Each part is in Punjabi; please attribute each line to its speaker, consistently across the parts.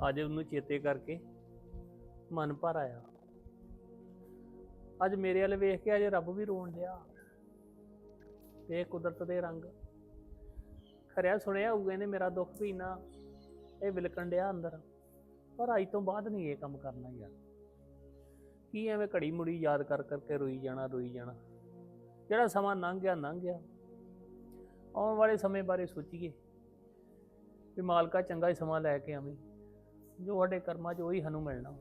Speaker 1: ਅੱਜ ਉਹਨੂੰ ਚੇਤੇ ਕਰਕੇ ਮਨ ਭਰ ਆਇਆ। ਅੱਜ ਮੇਰੇ ਵੱਲ ਵੇਖ ਕੇ ਅੱਜ ਰੱਬ ਵੀ ਰੋਣ ਡਿਆ। ਇਹ ਕੁਦਰਤ ਦੇ ਰੰਗ ਖਰਿਆ ਸੁਣਿਆ ਹੋਊਗਾ ਇਹਨੇ ਮੇਰਾ ਦੁੱਖ ਵੀ ਨਾ ਇਹ ਵਿਲਕਣ ਡਿਆ ਅੰਦਰ। ਪਰ ਅੱਜ ਤੋਂ ਬਾਅਦ ਨਹੀਂ ਇਹ ਕੰਮ ਕਰਨਾ ਯਾਰ। ਕੀ ਐਵੇਂ ਘੜੀ ਮੁੜੀ ਯਾਦ ਕਰ ਕਰਕੇ ਰੋਈ ਜਾਣਾ। ਜਿਹੜਾ ਸਮਾਂ ਲੰਘ ਗਿਆ। ਆਉਣ ਵਾਲੇ ਸਮੇਂ ਬਾਰੇ ਸੋਚੀਏ ਵੀ ਮਾਲਕਾ ਚੰਗਾ ਹੀ ਸਮਾਂ ਲੈ ਕੇ ਆਵੀਂ। ਜੋ ਸਾਡੇ ਕਰਮਾਂ 'ਚ ਉਹੀ ਸਾਨੂੰ ਮਿਲਣਾ।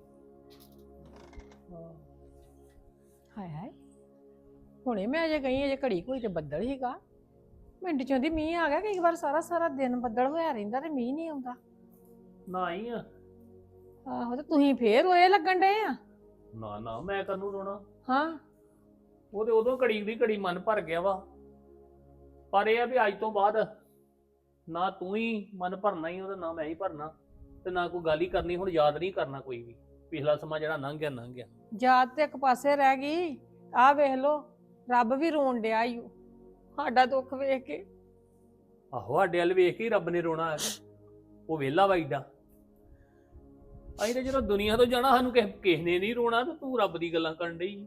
Speaker 2: ਹਾਏ ਹਾਏ, ਹੁਣੇ ਮੈਂ ਅਜੇ ਗਈ ਅਜੇ ਘੜੀ ਕੋਈ ਤੇ ਬੱਦਲ ਹੀਗਾ, ਮਿੰਟ ਚੋਂ ਦੀ ਮੀਂਹ ਆ ਗਿਆ। ਕਈ ਵਾਰ ਸਾਰਾ ਦਿਨ ਬੱਦਲ ਹੋਇਆ ਰਹਿੰਦਾ ਤੇ ਮੀਂਹ ਨਹੀਂ ਆਉਂਦਾ।
Speaker 1: ਨਾ ਹੀ ਆ।
Speaker 2: ਆਹੋ, ਤੇ ਤੁਸੀਂ ਫੇਰ ਰੋਏ ਲੱਗਣ ਡਏ ਆ।
Speaker 1: ਨਾ ਮੈਂ ਕਾਹਨੂੰ ਰੋਣਾ।
Speaker 2: ਹਾਂ,
Speaker 1: ਉਹ ਤੇ ਉਦੋਂ ਘੜੀ ਦੀ ਘੜੀ ਮਨ ਭਰ ਗਿਆ ਵਾ। ਪਰ ਇਹ ਆ ਵੀ ਅੱਜ ਤੋਂ ਬਾਅਦ ਨਾ ਤੂੰ ਹੀ ਮਨ ਭਰਨਾ ਹੀ ਉਹਦਾ, ਨਾ ਮੈਂ ਹੀ ਭਰਨਾ, ਤੇ ਨਾ ਕੋਈ ਗੱਲ ਹੀ ਕਰਨੀ। ਹੁਣ ਯਾਦ ਨਹੀਂ ਕਰਨਾ ਕੋਈ ਵੀ ਪਿਛਲਾ ਸਮਾਂ ਜਿਹੜਾ ਲੰਘ ਗਿਆ।
Speaker 2: ਯਾਦ ਤੇ ਇੱਕ ਪਾਸੇ ਰਹਿ ਗਈ। ਆਹ ਵੇਖ ਲੋ, ਰੱਬ ਵੀ ਰੋਣ ਡਿਆ ਈ ਓ ਸਾਡਾ ਦੁੱਖ ਵੇਖ ਕੇ।
Speaker 1: ਆਹੋ, ਸਾਡੇ ਵੱਲ ਵੇਖ ਕੇ ਹੀ ਰੱਬ ਨੇ ਰੋਣਾ। ਉਹ ਵਿਹਲਾ ਵਾ ਏਡਾ। ਅਸੀਂ ਤੇ ਜਦੋਂ ਦੁਨੀਆ ਤੋਂ ਜਾਣਾ ਸਾਨੂੰ ਕਿਸੇ ਨੇ ਨਹੀਂ ਰੋਣਾ, ਤੇ ਤੂੰ ਰੱਬ ਦੀ ਗੱਲਾਂ ਕਰਨ ਡਈ।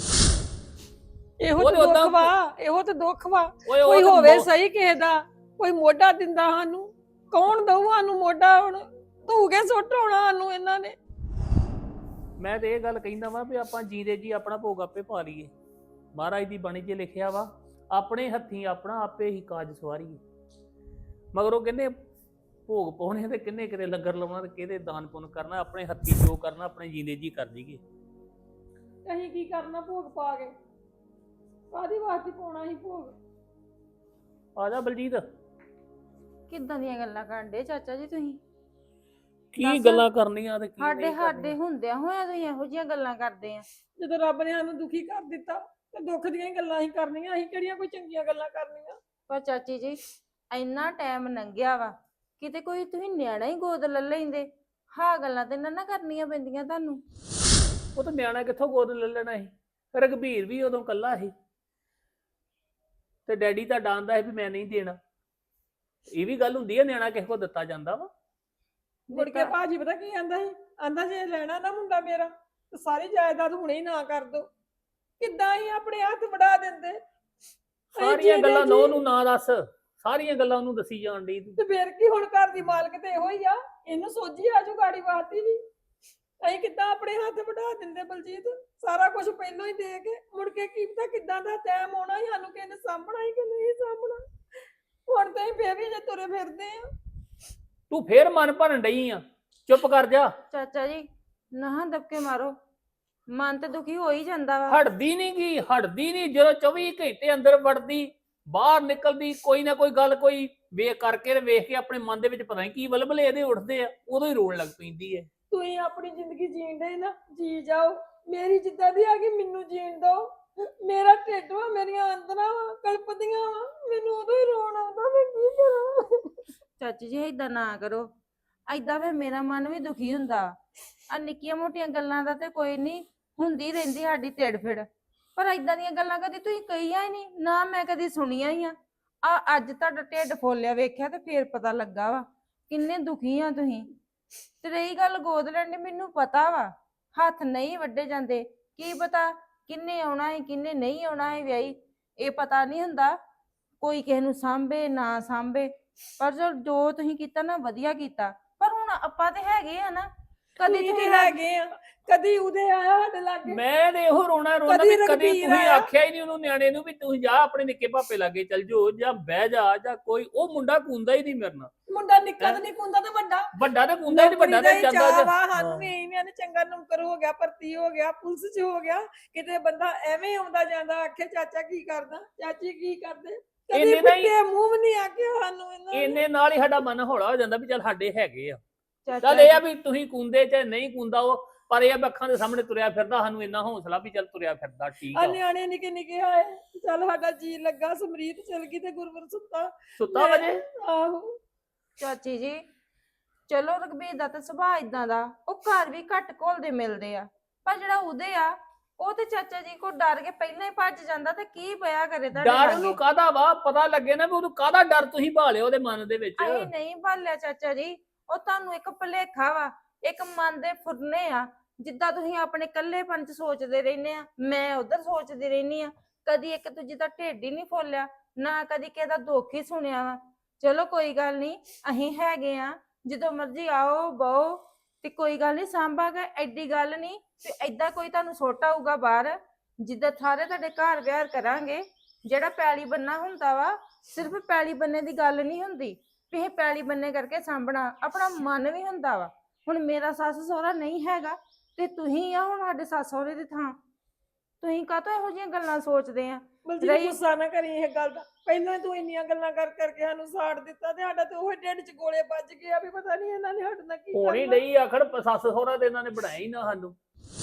Speaker 2: ਇਹੋ ਤੇ ਦੁੱਖ ਵਾ। ਕੋਈ ਹੋਵੇ ਸਹੀ ਕਿਸੇ ਦਾ, ਕੋਈ ਮੋਢਾ ਦਿੰਦਾ ਸਾਨੂੰ। ਕੌਣ ਦਊ ਸਾਨੂੰ ਮੋਢਾ? ਹੁਣ ਧੂ ਕੇ ਸੁੱਟ ਹੋਣਾ ਸਾਨੂੰ ਇਹਨਾਂ ਨੇ।
Speaker 1: ਮੈਂ ਤੇ ਇਹ ਗੱਲ ਕਹਿੰਦਾ ਵਾ ਵੀ ਆਪਾਂ ਜੀਂਦੇ ਜੀ ਆਪਣਾ ਭੋਗ ਆਪੇ ਪਾ ਲਈਏ। ਮਹਾਰਾਜ ਦੀ ਬਾਣੀ 'ਚ ਲਿਖਿਆ ਵਾ, ਆਪਣੇ ਹੱਥੀਂ ਆਪਣਾ ਆਪੇ ਹੀ ਕਾਜ ਸਵਾਰੀਏ। ਮਗਰ ਉਹ ਕਹਿੰਦੇ ਭੋਗ ਪਾਉਣੇ ਤੇ ਕਿੰਨੇ ਕਿਤੇ ਲੰਗਰ ਲਾਉਣਾ ਤੇ ਕਿਹਦੇ ਦਾਨ ਪੁੰਨ ਕਰਨਾ। ਆਪਣੇ ਹੱਥੀਂ ਜੋ ਕਰਨਾ ਆਪਣੇ ਜੀਂਦੇ ਜੀ ਕਰ ਜੀਏ।
Speaker 2: ਅਸੀਂ ਕੀ ਕਰਨਾ ਭੋਗ ਪਾ ਕੇ? ਕਾਹਦੀ ਵਾਸਤੇ ਪਾਉਣਾ ਸੀ ਭੋਗ?
Speaker 1: ਆ ਜਾ ਬਲਜੀਤ।
Speaker 3: ਕਿੱਦਾਂ ਦੀਆਂ ਗੱਲਾਂ ਕਰਨ ਡੇ ਚਾਚਾ ਜੀ ਤੁਸੀਂ?
Speaker 1: ਕੀ ਗੱਲਾਂ ਕਰਨੀਆਂ ਤੇ ਕੀ
Speaker 3: ਸਾਡੇ ਹੁੰਦਿਆਂ ਹੋਇਆ ਤੁਸੀਂ ਇਹੋ ਜਿਹੀਆਂ ਗੱਲਾਂ ਕਰਦੇ ਆ?
Speaker 2: ਜਦੋਂ ਰੱਬ ਨੇ ਸਾਨੂੰ ਦੁਖੀ ਕਰ ਦਿੱਤਾ ਤੇ ਦੁੱਖ ਦੀਆਂ ਹੀ ਗੱਲਾਂ ਹੀ ਕਰਨੀਆਂ। ਅਸੀਂ ਕਿਹੜੀਆਂ ਕੋਈ ਚੰਗੀਆਂ ਗੱਲਾਂ ਕਰਨੀਆਂ?
Speaker 3: ਪਰ ਚਾਚੀ ਜੀ, ਇੰਨਾ ਟਾਈਮ ਲੰਘਿਆ ਵਾ, ਕਿਤੇ ਕੋਈ ਤੁਸੀਂ ਨਿਆਣਾ ਹੀ ਗੋਦ ਲੈ ਲੈਂਦੇ। ਹਾਂ, ਗੱਲਾਂ ਤੇ ਨਾ ਕਰਨੀਆਂ ਪੈਂਦੀਆਂ ਤੁਹਾਨੂੰ।
Speaker 1: ਉਹ ਤਾਂ ਨਿਆਣਾ ਕਿੱਥੋਂ ਗੋਦ ਲੈ ਲੈਣਾ ਸੀ? ਰਘਬੀਰ ਵੀ ਉਦੋਂ ਕੱਲਾ ਸੀ ਤੇ ਡੈਡੀ ਤਾਂ ਡਾਂਦਾ ਸੀ ਵੀ ਮੈਂ ਨਹੀਂ ਦੇਣਾ। ਇਹ ਵੀ ਗੱਲ ਹੁੰਦੀ ਹੈ, ਨਿਆਣਾ ਕਿਸੇ ਕੋਲ ਦਿੱਤਾ ਜਾਂਦਾ ਵਾ।
Speaker 2: ਮੁੜ ਕੇ ਭਾਜੀ ਪਤਾ ਕੀ ਆਂਦਾ ਸੀ? ਆਂਦਾ ਜੇ ਲੈਣਾ ਨਾ ਮੁੰਡਾ ਮੇਰਾ ਤੇ ਸਾਰੀ ਜਾਇਦਾਦ ਹੁਣੇ ਹੀ ਨਾ ਕਰ ਦੋ। ਕਿੱਦਾਂ ਹੀ ਆਪਣੇ ਹੱਥ ਵੜਾ ਦਿੰਦੇ।
Speaker 1: ਸਾਰੀਆਂ ਗੱਲਾਂ ਨੂੰ ਨਾ ਦੱਸ, ਸਾਰੀਆਂ ਗੱਲਾਂ ਉਹਨੂੰ ਦੱਸੀ ਜਾਣ ਡਈ।
Speaker 2: ਤੇ ਫੇਰ ਕੀ, ਹੁਣ ਘਰ ਦੀ ਮਾਲਕ ਤੇ ਇਹੋ ਹੀ ਆ। ਇਹਨੂੰ ਸੋਝੀ ਆਜੂ ਗਾੜੀ ਵਾਤੀ ਵੀ। ਅਸੀਂ ਕਿੱਦਾਂ ਆਪਣੇ ਹੱਥ ਵੜਾ ਦਿੰਦੇ ਬਲਜੀਤ, ਸਾਰਾ ਕੁਝ ਪਹਿਲਾਂ ਹੀ ਦੇ ਕੇ। ਮੁੜ ਕੇ ਕੀ ਪਤਾ ਕਿੱਦਾਂ ਦਾ ਟਾਈਮ ਆਉਣਾ ਸੀ, ਸਾਨੂੰ ਕਿਸੇ ਨੇ ਸਾਂਭਣਾ ਹੀ ਕਿ ਨਹੀਂ ਸਾਂਭਣਾ। ਹੁਣ ਤਾਂ ਅਸੀਂ ਫੇਰ ਵੀ ਜੇ ਤੁਰੇ ਫਿਰਦੇ ਆ।
Speaker 1: ਤੂੰ ਫੇਰ ਮਨ ਭਰਨ ਡਈ ਆ। ਚੁੱਪ ਕਰ ਜਾ
Speaker 3: ਚਾਚਾ ਜੀ, ਨਾ ਦਬਕੇ ਮਾਰੋ। ਮਨ ਤੇ ਦੁਖੀ ਹੋ ਹੀ ਜਾਂਦਾ ਵਾ।
Speaker 1: ਹਟਦੀ ਨਹੀਂ। ਜਦੋਂ 24 ਘੰਟੇ ਅੰਦਰ ਵੜਦੀ, ਬਾਹਰ ਨਿਕਲਦੀ, ਕੋਈ ਨਾ ਕੋਈ ਗੱਲ ਕੋਈ ਵੇਖ ਕਰਕੇ ਵੇਖ ਕੇ ਆਪਣੇ ਮਨ ਦੇ ਵਿੱਚ ਪਤਾ ਨਹੀਂ ਕੀ ਵਲਵਲੇ ਇਹਦੇ ਉੱਠਦੇ ਆ, ਉਦੋਂ ਹੀ ਰੋਣ ਲੱਗ ਪੈਂਦੀ ਹੈ।
Speaker 2: ਤੁਸੀਂ ਆਪਣੀ ਜ਼ਿੰਦਗੀ ਜੀਣ ਦੇ ਨਾ, ਜੀ ਜਾਓ। ਮੇਰੀ ਜਿੱਦਾਂ ਦੀ ਆ ਗਈ ਮੈਨੂੰ ਜੀਣ ਦਿਓ। ਮੇਰਾ ਢਿੱਡ ਵਾ, ਮੇਰੀਆਂ ਅੰਦਰਾਂ ਵਾ, ਕਲਪਦੀਆਂ ਵਾ, ਮੈਨੂੰ ਉਦੋਂ ਹੀ ਰੋਣ ਆਉਂਦਾ। ਮੈਂ ਕੀ ਕਰਾਂ?
Speaker 3: ਚਾਚੀ ਜੀ, ਏਦਾਂ ਨਾ ਕਰੋ। ਏਦਾਂ ਫਿਰ ਮੇਰਾ ਮਨ ਵੀ ਦੁਖੀ ਹੁੰਦਾ। ਆ ਨਿੱਕੀਆਂ ਮੋਟੀਆਂ ਗੱਲਾਂ ਦਾ ਤੇ ਕੋਈ ਨਹੀਂ, ਹੁੰਦੀ ਰਹਿੰਦੀ ਸਾਡੀ ਢਿੱਡ ਫਿੜ। ਪਰ ਏਦਾਂ ਦੀਆਂ ਗੱਲਾਂ ਕਦੀ ਤੁਸੀਂ ਕਹੀਆਂ ਹੀ ਨਹੀਂ, ਨਾ ਮੈਂ ਕਦੀ ਸੁਣੀਆਂ ਹੀ ਆ। ਅੱਜ ਤੁਹਾਡਾ ਢਿੱਡ ਫੋਲਿਆ ਵੇਖਿਆ ਤੇ ਫੇਰ ਪਤਾ ਲੱਗਾ ਵਾ ਕਿੰਨੇ ਦੁਖੀ ਆ ਤੁਸੀਂ। ਤੇ ਰਹੀ ਗੱਲ ਗੋਦ ਲੈਣ ਦੀ, ਮੈਨੂੰ ਪਤਾ ਵਾ ਹੱਥ ਨਹੀਂ ਵੱਡੇ ਜਾਂਦੇ। ਕੀ ਪਤਾ ਕਿੰਨੇ ਆਉਣਾ ਹੈ ਕਿੰਨੇ ਨਹੀਂ ਆਉਣਾ ਹੈ ਵਿਆਹੀ, ਇਹ ਪਤਾ ਨਹੀਂ ਹੁੰਦਾ। ਕੋਈ ਕਿਸੇ ਨੂੰ ਸਾਂਭੇ ਨਾ ਸਾਂਭੇ, ਪਰ ਜੋ ਤੁਸੀਂ ਕੀਤਾ ਨਾ ਵਧੀਆ ਕੀਤਾ। ਪਰ ਹੁਣ ਆਪਾਂ ਤੇ ਹੈਗੇ ਆ ਨਾ, ਕਦੀ
Speaker 2: ਤੁਸੀਂ ਹੈਗੇ ਆ, ਕਦੀ ਉਹਦੇ ਆਇਆ ਸਾਡੇ ਲਾਗੇ।
Speaker 1: ਮੈਂ ਤੇ ਇਹੋ ਰੋਣਾ ਵੀ ਕਦੀ ਤੁਸੀਂ ਆਖਿਆ ਹੀ ਨਹੀਂ ਉਹਨੂੰ, ਨਿਆਣੇ ਨੂੰ, ਵੀ ਤੁਸੀਂ ਜਾ ਆਪਣੇ ਨਿੱਕੇ ਭਾਪੇ ਲਾਗੇ ਚੱਲ ਜਾਓ, ਜਾਂ ਬਹਿ ਜਾ, ਜਾਂ ਕੋਈ। ਉਹ ਮੁੰਡਾ ਕੂੰਦਾ ਹੀ ਨਹੀਂ ਮੇਰੇ ਨਾਲ।
Speaker 2: ਮੁੰਡਾ ਨਿੱਕਾ ਤੇ ਨਹੀਂ ਕੂੰਦਾ ਤੇ ਵੱਡਾ
Speaker 1: ਤੇ ਕੂੰਦਾ ਹੀ ਨਹੀਂ। ਵੱਡਾ ਤੇ
Speaker 2: ਜਾਂਦਾ। ਸਾਨੂੰ ਵੀ ਇਹਨੇ ਨੇ ਚੰਗਾ ਨੌਕਰ ਹੋ ਗਿਆ, ਭਰਤੀ ਹੋ ਗਿਆ, ਪੁਲਿਸ 'ਚ ਹੋ ਗਿਆ। ਕਿਤੇ ਬੰਦਾ ਐਵੇਂ ਆਉਂਦਾ ਜਾਂਦਾ, ਆਖੇ ਚਾਚਾ ਕੀ ਕਰਦਾ, ਚਾਚੀ ਕੀ ਕਰਦੇ। ਕਦੇ ਪੁੱਟੇ ਮੂੰਹ ਵੀ ਨਹੀਂ ਆਖਿਆ ਸਾਨੂੰ ਇਹਨਾਂ ਨੇ।
Speaker 1: ਇਹਨੇ ਨਾਲ ਹੀ ਸਾਡਾ ਮਨ ਹੌਲਾ ਹੋ ਜਾਂਦਾ ਵੀ ਚੱਲ ਸਾਡੇ ਹੈਗੇ ਆ। ਚੱਲ ਇਹ ਆ ਵੀ ਤੁਸੀਂ ਕੂੰਦੇ ਚਾਹੇ ਨਹੀਂ ਕੂੰਦਾ ਉਹ, ਪਰ ਇਹ ਅੱਖਾਂ ਦੇ ਸਾਹਮਣੇ ਤੁਰਿਆ ਫਿਰਦਾ, ਸਾਨੂੰ ਇੰਨਾ ਹੌਸਲਾ ਵੀ ਚੱਲ ਤੁਰਿਆ ਫਿਰਦਾ ਠੀਕ ਆ।
Speaker 2: ਨਿਆਣੇ ਨਿੱਕੇ ਆਏ, ਚੱਲ ਸਾਡਾ ਜੀ ਲੱਗਾ। ਸਮਰੀਤ ਚਲ ਗਈ ਤੇ ਗੁਰਵਰ
Speaker 1: ਸੁੱਤਾ ਵਜੇ।
Speaker 2: ਆਹੋ
Speaker 3: ਚਾਚੀ ਜੀ, ਚਲੋ ਰਘਬੀਰ ਦਾ ਤਾਂ ਸੁਭਾਅ ਇਦਾਂ ਦਾ, ਉਹ ਘਰ ਵੀ ਘੱਟ ਘੁਲਦੇ ਮਿਲਦੇ ਆ। ਪਰ ਜਿਹੜਾ ਉਹਦੇ ਆ, ਉਹ ਤੇ ਚਾਚਾ ਜੀ ਕੋ ਡਰ ਕੇ ਪਹਿਲਾਂ ਹੀ ਭੱਜ ਜਾਂਦਾ। ਤੇ ਕੀ ਪਿਆ ਕਰੇ ਤੁਹਾਡੇ
Speaker 1: ਡਰ ਉਹਨੂੰ ਕਾਹਦਾ ਵਾ? ਪਤਾ ਲੱਗੇ ਨਾ ਵੀ ਉਹਨੂੰ ਕਾਹਦਾ ਡਰ ਤੁਸੀਂ ਭਾਲਿਓ ਉਹਦੇ ਮਨ ਦੇ ਵਿੱਚ।
Speaker 3: ਅਸੀਂ ਨਹੀਂ ਭਾਲਿਆ ਚਾਚਾ ਜੀ, ਉਹ ਤੁਹਾਨੂੰ ਇੱਕ ਭੁਲੇਖਾ ਵਾ। ਇੱਕ ਮਨ ਦੇ ਫੁਰਨੇ ਆ। ਜਿੱਦਾਂ ਤੁਸੀਂ ਆਪਣੇ ਇਕੱਲੇਪਨ ਚ ਸੋਚਦੇ ਰਹਿੰਦੇ ਆ, ਮੈਂ ਉਧਰ ਸੋਚਦੀ ਰਹਿੰਦੀ ਆ। ਕਦੀ ਇੱਕ ਦੂਜੇ ਦਾ ਢਿੱਡ ਹੀ ਨਹੀਂ ਫੋਲਿਆ, ਨਾ ਕਦੀ ਕਿਸੇ ਦਾ ਦੁੱਖ ਹੀ ਸੁਣਿਆ ਵਾ। ਚਲੋ ਕੋਈ ਗੱਲ ਨਹੀਂ, ਅਸੀਂ ਹੈਗੇ ਆ, ਜਦੋਂ ਮਰਜ਼ੀ ਆਓ ਬਹੋ, ਤੇ ਕੋਈ ਗੱਲ ਨਹੀਂ ਸਾਂਭਾਂਗੇ। ਐਡੀ ਗੱਲ ਨਹੀਂ ਤੇ ਏਦਾਂ ਕੋਈ ਤੁਹਾਨੂੰ ਸੁੱਟ ਆਊਗਾ ਬਾਹਰ। ਜਿੱਦਾਂ ਸਾਰੇ ਤੁਹਾਡੇ ਘਰ ਵਿਹਾਰ ਕਰਾਂਗੇ। ਜਿਹੜਾ ਪੈਲੀ ਬੰਨਾ ਹੁੰਦਾ ਵਾ, ਸਿਰਫ ਪੈਲੀ ਬੰਨੇ ਦੀ ਗੱਲ ਨਹੀਂ ਹੁੰਦੀ ਵੀ ਇਹ ਪੈਲੀ ਬੰਨੇ ਕਰਕੇ ਸਾਂਭਣਾ, ਆਪਣਾ ਮਨ ਵੀ ਹੁੰਦਾ ਵਾ। ਹੁਣ ਮੇਰਾ ਸੱਸ ਸਹੁਰਾ ਨਹੀਂ ਹੈਗਾ ਤੇ ਤੁਸੀਂ ਆ ਹੁਣ ਸਾਡੇ ਸੱਸ ਸਹੁਰੇ ਦੀ ਥਾਂ। ਤੁਸੀਂ ਕਾਹਤੋਂ ਇਹੋ ਜਿਹੀਆਂ ਗੱਲਾਂ ਸੋਚਦੇ ਆ?
Speaker 2: ਬਲਜੀਤ ਗੁੱਸਾ ਨਾ ਕਰੀ ਇਹ ਗੱਲ ਦਾ। ਪਹਿਲਾਂ ਤੂੰ ਇੰਨੀਆਂ ਗੱਲਾਂ ਕਰਕੇ ਸਾਨੂੰ ਸਾੜ ਦਿੱਤਾ ਤੇ ਸਾਡਾ ਤੇ ਉਹ ਢਿੱਡ 'ਚ ਗੋਲੇ ਵੱਜ ਗਏ ਆ ਵੀ ਪਤਾ ਨਹੀਂ ਇਹਨਾਂ ਨੇ ਸਾਡੇ ਨਾਲ ਕੀ
Speaker 1: ਹੋਣੀ
Speaker 2: ਕਰਨਾ।
Speaker 1: ਨਹੀਂ ਆਖੜ ਸੱਸ ਸਹੁਰਾ ਤੇ ਇਹਨਾਂ ਨੇ ਬਣਾਇਆ ਹੀ ਨਾ ਸਾਨੂੰ।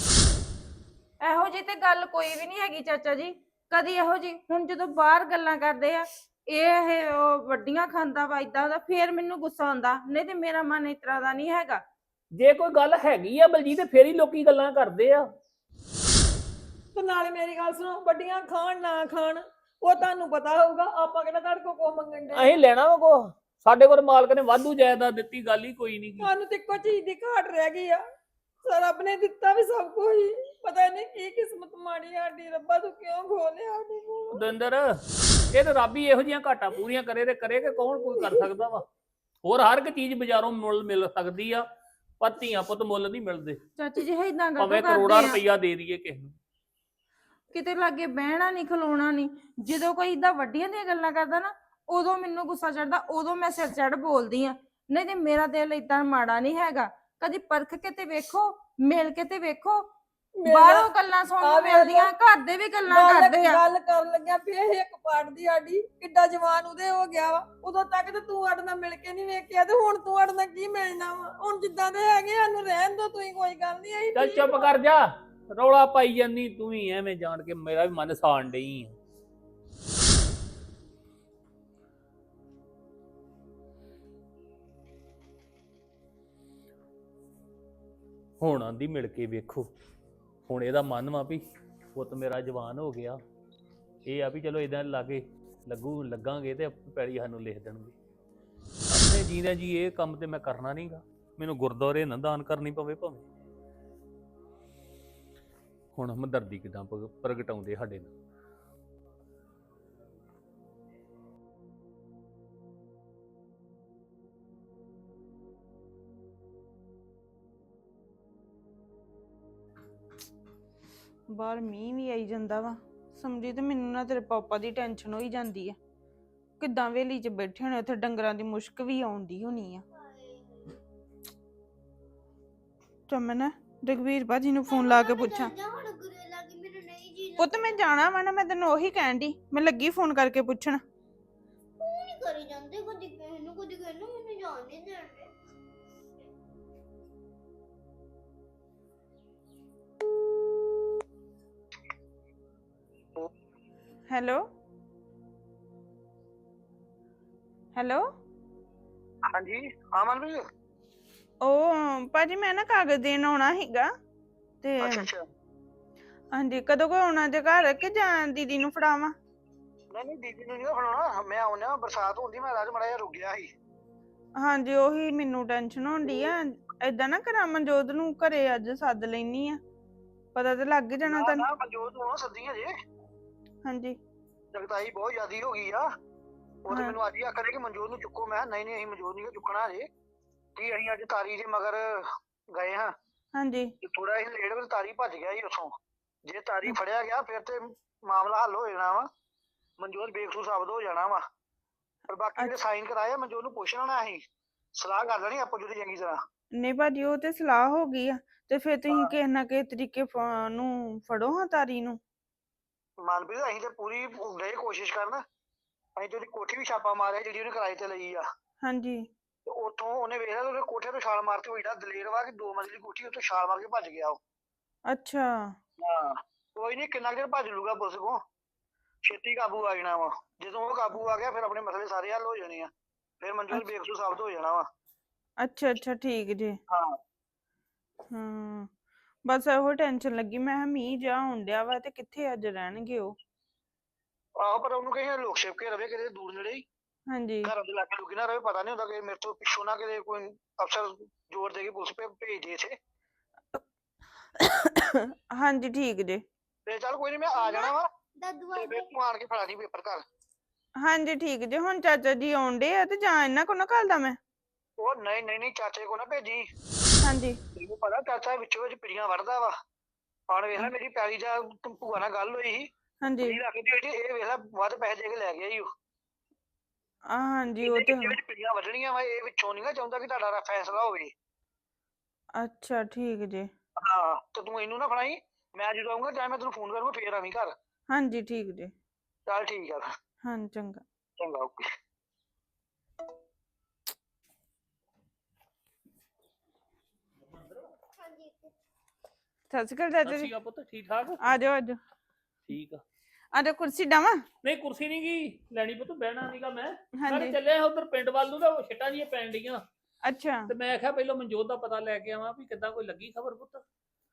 Speaker 3: ਇਹੋ ਜਿਹੀ ਤੇ ਗੱਲ ਕੋਈ ਵੀ ਨਹੀਂ ਹੈਗੀ ਚਾਚਾ ਜੀ, ਕਦੀ ਇਹੋ ਜੀ। ਹੁਣ ਜਦੋਂ ਬਾਹਰ ਗੱਲਾਂ ਕਰਦੇ ਆ ਇਹ ਉਹ ਵੱਡੀਆਂ ਖਾਂਦਾ ਵਾ ਏਦਾਂ ਦਾ, ਫੇਰ ਮੈਨੂੰ ਗੁੱਸਾ ਆਉਂਦਾ, ਨਹੀਂ ਤੇ ਮੇਰਾ ਮਨ ਇਸ ਤਰ੍ਹਾਂ ਦਾ ਨਹੀਂ ਹੈਗਾ।
Speaker 1: ਜੇ ਕੋਈ ਗੱਲ ਹੈਗੀ ਆ ਬਲਜੀਤ ਤੇ ਫੇਰ ਹੀ ਲੋਕੀ ਗੱਲਾਂ ਕਰਦੇ ਆ।
Speaker 2: ਤੇ ਨਾਲੇ ਮੇਰੀ ਗੱਲ ਸੁਣੋ, ਵੱਡੀਆਂ ਖਾਣ ਨਾ ਖਾਣ ਉਹ ਤੁਹਾਨੂੰ ਪਤਾ ਹੋਊਗਾ, ਆਪਾਂ ਕਿਹੜਾ ਤੁਹਾਡੇ ਕੋਲ ਕੋ ਮੰਗਣ ਦੇ।
Speaker 1: ਅਸੀਂ ਲੈਣਾ ਵਾ ਕੋ, ਸਾਡੇ ਕੋਲ ਮਾਲਕ ਨੇ ਵਾਧੂ ਜਾਇਦਾਦ ਦਿੱਤੀ, ਗੱਲ ਹੀ ਕੋਈ ਨਹੀਂ।
Speaker 2: ਸਾਨੂੰ ਤੇ ਇੱਕੋ ਚੀਜ਼ ਦੀ ਘਾਟ ਰਹਿ ਗਈ ਆ, ਰੱਬ ਨੇ ਦਿੱਤਾ ਵੀ ਸਭ ਕੁਝ ਹੀ, ਪਤਾ ਨਹੀਂ ਕੀ ਕਿਸਮਤ ਮਾੜੀ ਸਾਡੀ। ਰੱਬਾ ਤੂੰ ਕਿਉਂ ਖੋਲਿਆ ਸਾਡੇ ਕੋਲ?
Speaker 1: ਦਵਿੰਦਰ, ਇਹ ਤਾਂ ਰੱਬ ਹੀ ਇਹੋ ਜਿਹੀਆਂ ਘਾਟਾਂ ਪੂਰੀਆਂ ਕਰੇ ਤੇ ਕਰੇ ਕਿ ਕੌਣ ਕੋਈ ਕਰ ਸਕਦਾ ਵਾ। ਹੋਰ ਹਰ ਇੱਕ ਚੀਜ਼ ਬਾਜ਼ਾਰੋਂ ਮੁੱਲ ਮਿਲ ਸਕਦੀ ਆ, ਪਰ ਧੀਆਂ ਪੁੱਤ ਮੁੱਲ ਨਹੀਂ ਮਿਲਦੇ।
Speaker 3: ਚਾਚੀ ਜੀ ਏਦਾਂ
Speaker 1: ਭਾਵੇਂ
Speaker 3: ਕਰਦੇ
Speaker 1: ਕਰੋੜਾਂ
Speaker 3: ਆ,
Speaker 1: ਰੁਪਈਆ ਦੇ ਦਈਏ ਕਿਸੇ ਨੂੰ।
Speaker 3: ਕਿਤੇ ਲਾਗੇ ਬਹਿਣਾ ਨਹੀਂ, ਖਲੋਣਾ ਨਹੀਂ। ਜਦੋਂ ਕੋਈ ਏਦਾਂ ਵੱਡੀਆਂ ਦੀਆਂ ਗੱਲਾਂ ਕਰਦਾ ਨਾ, ਉਦੋਂ ਮੈਨੂੰ ਗੁੱਸਾ ਚੜਦਾ, ਉਦੋਂ ਮੈਂ ਸਿਰ ਚੜ ਬੋਲਦੀ ਆ। ਨਹੀਂ ਤੇ ਮੇਰਾ ਦਿਲ ਏਦਾਂ ਮਾੜਾ ਨਹੀਂ ਹੈਗਾ। ਕਦੀ ਪਰਖ ਕੇ ਤੇ ਵੇਖੋ, ਮਿਲ ਕੇ ਤੇ ਵੇਖੋ। ਬਾਹਰੋਂ ਗੱਲਾਂ ਸੁਣਨ ਨੂੰ ਮਿਲਦੀਆਂ, ਘਰ ਦੇ ਵੀ ਗੱਲਾਂ ਕਰਦੇ ਆ।
Speaker 2: ਗੱਲ ਕਰਨ ਲੱਗਿਆ ਵੀ ਇਹ ਇੱਕ ਪਾਰਟ ਦੀ ਸਾਡੀ ਕਿੱਡਾ ਜਵਾਨ ਉਹਦੇ ਹੋ ਗਿਆ ਵਾ। ਉਦੋਂ ਤੱਕ ਤੇ ਤੂੰ ਸਾਡੇ ਨਾਲ ਮਿਲ ਕੇ ਨਹੀਂ ਵੇਖਿਆ, ਤੇ ਹੁਣ ਤੂੰ ਸਾਡੇ ਨਾਲ ਕੀ ਮਿਲਣਾ ਵਾ? ਹੁਣ ਜਿੱਦਾਂ ਦੇ ਹੈਗੇ ਸਾਨੂੰ ਰਹਿਣ ਦੋ ਤੁਸੀਂ, ਕੋਈ ਗੱਲ ਨਹੀਂ। ਅਸੀਂ
Speaker 1: ਚੱਲ ਚੁੱਪ ਕਰ ਜਾ, ਰੌਲਾ ਪਾਈ ਜਾਂਦੀ ਤੂੰ ਵੀ ਐਵੇਂ ਜਾਣ ਕੇ ਮੇਰਾ ਵੀ ਮਨ ਸਾਣ ਡਈ ਆ। ਹੁਣ ਆਂਦੀ ਮਿਲ ਕੇ ਵੇਖੋ। ਹੁਣ ਇਹਦਾ ਮਨ ਵਾ ਵੀ ਪੁੱਤ ਮੇਰਾ ਜਵਾਨ ਹੋ ਗਿਆ, ਇਹ ਆ ਵੀ ਚਲੋ ਇਦਾਂ ਲਾਗੇ ਲੱਗਾਂਗੇ ਤੇ ਪੈੜੀ ਸਾਨੂੰ ਲਿਖ ਦੇਣਗੇ। ਆਪਣੇ ਜੀਂਦਿਆਂ ਜੀ ਇਹ ਕੰਮ ਤੇ ਮੈਂ ਕਰਨਾ ਨਹੀਂਗਾ। ਮੈਨੂੰ ਗੁਰਦੁਆਰੇ ਨਾ ਦਾਨ ਕਰਨੀ ਪਵੇ ਭਾਵੇਂ। ਹੁਣ ਹਮਦਰਦੀ ਕਿਦਾਂ ਪ੍ਰਗਟਾਉਂਦੇ ਸਾਡੇ ਨਾਲ।
Speaker 3: ਬਾਹਰ ਮੀਂਹ ਵੀ ਆਈ ਜਾਂਦਾ ਵਾ। ਸਮਝੀ ਤੇ ਮੈਨੂੰ ਨਾ ਤੇਰੇ ਪਾਪਾ ਦੀ ਟੈਨਸ਼ਨ ਹੋਈ ਜਾਂਦੀ ਆ। ਕਿੱਦਾਂ ਵੇਲੀ 'ਚ ਬੈਠੇ ਹੋਣੇ, ਉੱਥੇ ਡੰਗਰਾਂ ਦੀ ਮੁਸ਼ਕ ਵੀ ਆਉਂਦੀ ਹੋਣੀ ਆ। ਚਮਨ, ਰਘਵੀਰ ਭਾਜੀ ਨੂੰ ਫੋਨ ਲਾ ਕੇ ਪੁੱਛਾਂ। ਪੁੱਤ ਮੈਂ ਜਾਣਾ ਵਾ ਨਾ, ਮੈਂ ਤੈਨੂੰ ਉਹੀ ਕਹਿਣ ਦੀ, ਮੈਂ ਲੱਗੀ ਫੋਨ ਕਰਕੇ ਪੁੱਛਣ।
Speaker 4: ਕਰੀ ਜਾਂਦੇ ਕਦੀ ਕਿਸੇ ਨੂੰ ਮੈਨੂੰ ਜਾਣ ਨਹੀਂ ਦਿੰਦੇ।
Speaker 3: Hello hello.
Speaker 5: ਹਾਂਜੀ ਹਾਂ ਮਨਪ੍ਰੀਤ।
Speaker 3: ਉਹ ਭਾਜੀ ਮੈਂ ਨਾ ਕਾਗਜ਼ ਦੇਣ ਆਉਣਾ ਸੀਗਾ ਤੇ
Speaker 5: ਅੱਛਾ
Speaker 3: ਹਾਂਜੀ, ਕਦੋਂ ਕੋ ਆਉਣਾ ਜੇ ਘਰ, ਕਿ ਜਾਂ ਦੀਦੀ ਨੂੰ ਫੜਾਵਾਂ?
Speaker 5: ਨਹੀਂ ਦੀਦੀ ਨੂੰ ਨਹੀਂ ਫੜਾਉਣਾ, ਮੈਂ ਆਉਣਾ। ਬਰਸਾਤ ਹੁੰਦੀ, ਮੈਂ ਰਾਜ ਮੜਾ ਜਿਹਾ ਰੁਕ ਗਿਆ ਸੀ।
Speaker 3: ਹਾਂਜੀ, ਉਹੀ ਮੈਨੂੰ ਟੈਨਸ਼ਨ ਹੁੰਦੀ ਆ। ਏਦਾਂ ਨਾ ਕਰਾਂ, ਮਨਜੋਤ ਨੂੰ ਘਰੇ ਅੱਜ ਸੱਦ ਲੈਣੀ ਆ, ਪਤਾ ਤੇ ਲੱਗ ਜਾਣਾ ਤੈਨੂੰ।
Speaker 5: ਨਾ ਮਨਜੋਤ ਨੂੰ ਸੱਦੀ ਹਜੇ।
Speaker 3: ਹਾਂਜੀ,
Speaker 5: ਜਗਤਾਈ ਬਹੁਤ ਜ਼ਿਆਦੀ ਹੋ ਗਈ ਆ। ਉਹ ਤੇ ਮੈਨੂੰ ਅੱਜ ਹੀ ਆਖਦੇ ਕਿ ਮਨਜੋਤ ਨੂੰ ਚੁੱਕੋ। ਮੈਂ ਨਹੀਂ ਅਸੀਂ ਮਨਜੋਤ ਨਹੀਂ ਚੁੱਕਣਾ ਹਜੇ, ਕਿ ਅਸੀਂ ਅੱਜ ਤਾਰੀ ਦੇ ਮਗਰ ਗਏ ਹਾਂ।
Speaker 3: ਹਾਂਜੀ,
Speaker 5: ਥੋੜਾ ਅਸੀਂ ਲੇਟ ਵੇ, ਤਾਰੀ ਭੱਜ ਗਿਆ ਸੀ ਉੱਥੋਂ। ਜੇ ਤਾਰੀ ਫੜਿਆ ਗਿਆ ਫਿਰ ਤੇ ਮਾਮਲਾ ਹੱਲ ਹੋ ਜਾਣਾ ਵਾ, ਮਨਜੋਤ ਬੇਕਸੂਰ ਸਾਬਤ ਹੋ ਜਾਣਾ ਵਾ। ਪਰ ਬਾਕੀ ਜਿਹੜੇ ਸਾਈਨ ਕਰਾਏ ਮਨਜੋਤ ਨੂੰ ਪੁੱਛ ਲੈਣਾ, ਅਸੀਂ ਸਲਾਹ ਕਰ ਲੈਣੀ ਆਪੋ ਜਿਹੜੀ ਚੰਗੀ ਤਰ੍ਹਾਂ।
Speaker 3: ਨਹੀਂ ਭਾਜੀ, ਉਹ ਤੇ ਸਲਾਹ ਹੋ ਗਈ ਆ, ਤੇ ਫਿਰ ਤੁਸੀਂ ਕਿਸੇ ਨਾ ਕਿਸੇ ਤਰੀਕੇ ਨੂੰ ਫੜੋ ਹਾਂ ਤਾਰੀ ਨੂੰ।
Speaker 5: ਮਨਪ੍ਰੀਤ ਅਸੀਂ ਤੇ ਪੂਰੀ ਗਏ ਕੋਸ਼ਿਸ਼ ਕਰਨ। ਅਸੀਂ ਤੇ ਉਹਦੀ ਕੋਠੀ ਵੀ ਛਾਪਾ ਮਾਰਿਆ ਜਿਹੜੀ ਉਹਨੇ ਕਿਰਾਏ ਤੇ ਲਈ ਆ।
Speaker 3: ਹਾਂਜੀ,
Speaker 5: ਤੇ ਉੱਥੋਂ ਉਹਨੇ ਵੇਖਿਆ ਉਹਦੇ ਕੋਠੇ ਤੋਂ ਛਾਲ ਮਾਰ ਕੇ, ਉਹ ਏਡਾ ਦਲੇਰ ਵਾ ਕਿ 2 ਮੰਜ਼ਿਲੀ ਕੋਠੀ ਉੱਥੋਂ ਛਾਲ ਮਾਰ ਕੇ ਭੱਜ ਗਿਆ ਉਹ।
Speaker 3: ਅੱਛਾ।
Speaker 5: ਹਾਂ ਕੋਈ ਨੀ, ਕਿੰਨਾ ਚਿਰ ਭੱਜ ਲੂਗਾ ਪੁਲਿਸ ਕੋਲ, ਛੇਤੀ ਕਾਬੂ ਆ ਜਾਣਾ ਵਾ। ਜਦੋਂ ਉਹ ਕਾਬੂ ਆ ਗਿਆ ਫਿਰ ਆਪਣੇ ਮਸਲੇ ਸਾਰੇ ਹੱਲ ਹੋ ਜਾਣੇ ਆ, ਫਿਰ ਮਨਜੋਤ ਬੇਕਸੂਰ ਸਾਬਤ ਹੋ ਜਾਣਾ ਵਾ।
Speaker 3: ਅੱਛਾ ਅੱਛਾ, ਠੀਕ ਜੀ।
Speaker 5: ਹਾਂ
Speaker 3: ਬਸ ਇਹੋ ਟੈਨਸ਼ਨ ਲੱਗੀ, ਮੈਂ ਕਿਹਾ ਮੀਂਹ ਜਾ ਹੋਣ ਡਿਆ ਵਾ ਤੇ ਕਿੱਥੇ ਅੱਜ ਰਹਿਣਗੇ ਉਹ।
Speaker 5: ਆਹੋ, ਪਰ ਉਹਨੂੰ ਕਹੇ ਲੋਕ ਛਿਪ ਕੇ ਰਵੇ ਕਿਤੇ ਦੂਰ ਨੇੜੇ ਹੀ।
Speaker 6: ਹਾਂਜੀ
Speaker 5: ਘਰਾਂ ਦੇ ਲਾਗੇ ਲੁਕੀ ਨਾ ਰਹੇ, ਪਤਾ ਨਹੀਂ ਹੁੰਦਾ ਕਿ ਮੇਰੇ ਤੋਂ ਪਿੱਛੋਂ ਨਾ ਕਿਤੇ ਕੋਈ ਅਫਸਰ ਜ਼ੋਰ ਦੇ ਕੇ ਪੁਲਿਸ ਭੇਜ ਦੇ ਇੱਥੇ।
Speaker 6: ਹਾਂਜੀ ਠੀਕ ਜੇ।
Speaker 5: ਤੇ ਚੱਲ ਕੋਈ ਨਹੀਂ, ਮੈਂ ਆ ਜਾਣਾ ਵਾ
Speaker 4: ਦਾਦੂ
Speaker 5: ਤੇ
Speaker 4: ਆ
Speaker 5: ਫਿਰ ਤੂੰ ਆਣ ਕੇ ਫੜਾ ਦੀ ਪੇਪਰ ਘਰ।
Speaker 6: ਹਾਂਜੀ ਠੀਕ ਜੇ। ਹੁਣ ਚਾਚਾ ਜੀ ਆਉਂਦੇ ਆ ਤੇ ਜਾਂ ਇਹਨਾਂ ਕੋਲ ਨਾ ਘੱਲਦਾ ਮੈਂ।
Speaker 5: ਉਹ ਨਹੀਂ ਨਹੀਂ ਨਹੀਂ, ਚਾਚੇ ਕੋ ਨਾ ਭੇਜੀ।
Speaker 6: ਹਾਂਜੀ
Speaker 5: ਤੈਨੂੰ ਪਤਾ ਚਾਚਾ ਵਿੱਚੋਂ ਵਿੱਚ ਪਿੜੀਆਂ ਵੜਦਾ ਵਾ। ਹੁਣ ਵੇਖ ਲੈ ਮੇਰੀ ਪੈਲੀ ਦਾ ਭੂਆ ਨਾਲ ਗੱਲ ਹੋਈ ਸੀ,
Speaker 6: ਹਾਂਜੀ
Speaker 5: ਕੁੜੀ ਰੱਖਦੀ ਹੋਈ ਸੀ, ਇਹ ਵੇਖ ਲੈ ਵੱਧ ਪੈਸੇ ਦੇ ਕੇ ਲੈ ਗਿਆ ਈ ਉਹ।
Speaker 6: ਹਾਂਜੀ ਉਹ ਤੇ
Speaker 5: ਇਹਦੇ ਵਿੱਚ ਪਿੜੀਆਂ ਵੱਢਣੀਆਂ ਵਾ, ਇਹ ਵਿੱਚੋਂ ਨਹੀਂ ਨਾ ਚਾਹੁੰਦਾ ਕਿ ਤੁਹਾਡਾ ਫੈਸਲਾ ਹੋਵੇ।
Speaker 6: ਅੱਛਾ ਠੀਕ ਜੇ।
Speaker 5: ਹਾਂ ਤੇ ਤੂੰ ਇਹਨੂੰ ਨਾ ਫੜਾਈ, ਮੈਂ ਜਦੋਂ ਆਊਂਗਾ ਜਾਂ ਮੈਂ ਤੈਨੂੰ ਫੋਨ ਕਰੂੰਗਾ ਫੇਰ ਆਵੀਂ ਘਰ।
Speaker 6: ਹਾਂਜੀ ਠੀਕ ਜੇ।
Speaker 5: ਚੱਲ ਠੀਕ ਆ ਫਿਰ।
Speaker 6: ਹਾਂ ਚੰਗਾ।
Speaker 5: ਚੰਗਾ ਓਕੇ।
Speaker 4: ਹਾਂਜੀ
Speaker 6: ਸਤਿ ਸ਼੍ਰੀ ਅਕਾਲ ਚਾਚਾ
Speaker 1: ਸਤਿ
Speaker 6: ਜੀ।
Speaker 1: ਸ਼੍ਰੀ ਅਕਾਲ ਪੁੱਤ, ਠੀਕ ਠਾਕ?
Speaker 6: ਆ ਜਾਓ ਆ ਜਾਓ।
Speaker 1: ਠੀਕ ਆ।
Speaker 6: ਆ ਜਾਓ ਕੁਰਸੀ ਡਾਵਾਂ।
Speaker 1: ਨਹੀਂ ਕੁਰਸੀ ਨਹੀਂ ਗਈ ਲੈਣੀ ਪੁੱਤ, ਬਹਿਣਾ ਨਹੀਂਗਾ ਮੈਂ
Speaker 6: ਹਾਂਜੀ
Speaker 1: ਚੱਲਿਆ ਉਧਰ ਪਿੰਡ ਵੱਲ ਨੂੰ, ਤਾਂ ਉਹ ਛਿੱਟਾਂ ਜੀਆਂ ਪੈਣ ਡੀਆਂ
Speaker 6: ਅੱਛਾ।
Speaker 1: ਤੇ ਮੈਂ ਆਖਿਆ ਪਹਿਲਾਂ ਮਨਜੋਤ ਦਾ ਪਤਾ ਲੈ ਕੇ ਆਵਾਂ ਵੀ ਕਿੱਦਾਂ ਕੋਈ ਲੱਗੀ ਖਬਰ ਪੁੱਤ।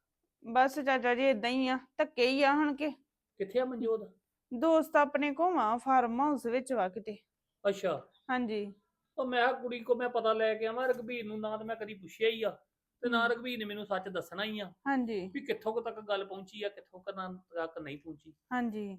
Speaker 6: ਬਸ ਚਾਚਾ ਜੀ ਇਦਾਂ ਹੀ ਆ, ਧੱਕੇ ਹੀ ਆ ਹੁਣ ਕੇ।
Speaker 1: ਕਿੱਥੇ ਆ ਮਨਜੋਤ?
Speaker 6: ਦੋਸਤ ਆਪਣੇ ਕੋਵਾਂ ਫਾਰਮ ਹਾਊਸ ਵਿੱਚ ਵਾ ਕਿਤੇ।
Speaker 1: ਅੱਛਾ।
Speaker 6: ਹਾਂਜੀ
Speaker 1: ਉਹ ਮੈਂ ਕਿਹਾ ਕੁੜੀ ਕੋ ਮੈਂ ਪਤਾ ਲੈ ਕੇ ਆਵਾਂ, ਰਘਬੀਰ ਨੂੰ ਨਾ ਤਾਂ ਮੈਂ ਕਦੀ ਪੁੱਛਿਆ ਹੀ ਆ ਤੇ ਨਾ ਰਘਬੀਰ ਨੇ ਮੈਨੂੰ ਸੱਚ ਦੱਸਣਾ ਹੀ ਆ
Speaker 6: ਹਾਂਜੀ
Speaker 1: ਵੀ ਕਿੱਥੋਂ ਕੁ ਤੱਕ ਗੱਲ ਪਹੁੰਚੀ ਆ, ਕਿੱਥੋਂ ਤੱਕ ਨਹੀਂ ਪਹੁੰਚੀ।
Speaker 6: ਹਾਂਜੀ